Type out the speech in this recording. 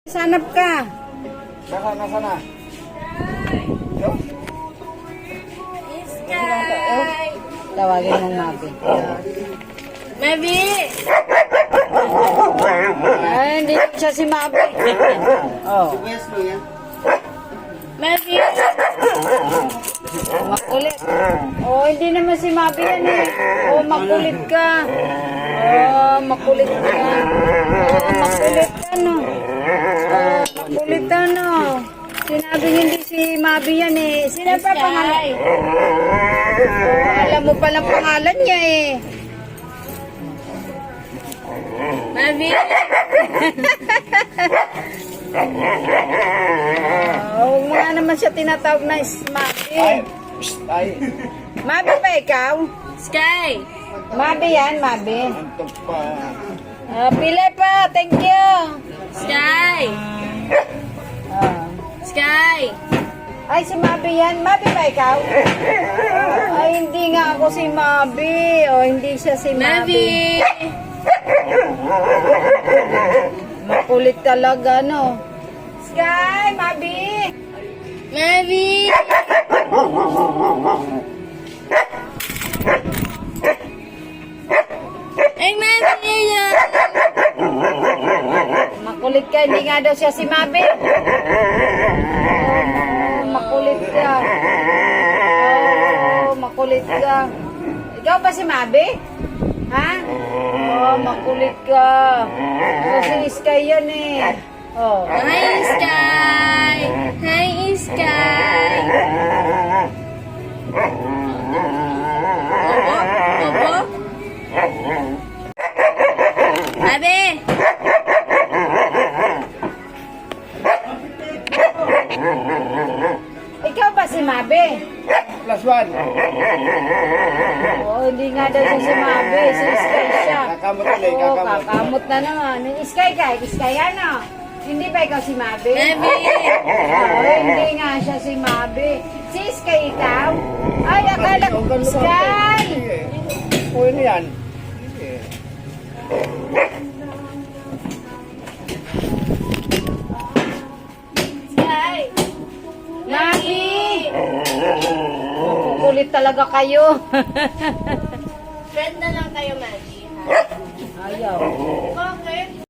Sanap ka. Nasa na? Yo? Sky! Tawagin mo Mabi. Mabi! Ay, hindi siya si Mabi. Oh, Wesley yan. Mabi! makulit. Oh, hindi naman si Mabi yan eh. Oh, makulit ka. Oh, makulit ka. Oh, makulit ka no. Oh, makulit ka no. Sinabi hindi si Mabi yan eh. Sino pa pangalan? Oh, alam mo palang pangalan niya eh. Mabi! Oh, huwag mo nga naman siya tinatawag na Mabi. Ay. Mabi ba ikaw? Sky! Mabi yan, Mabi. Antok pa. Pili pa, thank you. Sky! Ah. Sky! Ay, si Mabi yan. Mabi ba ikaw? Ay, hindi nga ako si Mabi. O, hindi siya si Mabi! Mabi. Makulit talaga, no? Sky, Mabi! Mabi! Ay, Mabi yan! Makulit ka, hindi nga daw siya si Mabi. Oh, makulit ka. Oh, makulit ka. Ikaw ba si Mabi? Ha? Oh, makulit ka. Oh, si Sky yan eh. Oh. Hi, Sky! Hi, Sky! Opo? Mabi! Ikaw ba si Mabi? Plus one. Oh, hindi nga daw siya si Mabi. Si Sky siya. Kakamot ulit, Oh, kakamot. kakamot na naman. Sky ka, Sky ano? Hindi ba ikaw si Mabi? Mabi! Oh, hindi nga siya si Mabi. Si Sky ikaw? Ay, akala ko Sky! O, ano yan? Sky! Mabi! Kukulit talaga kayo. Friend na lang tayo, Mabi. Ayaw. Bakit?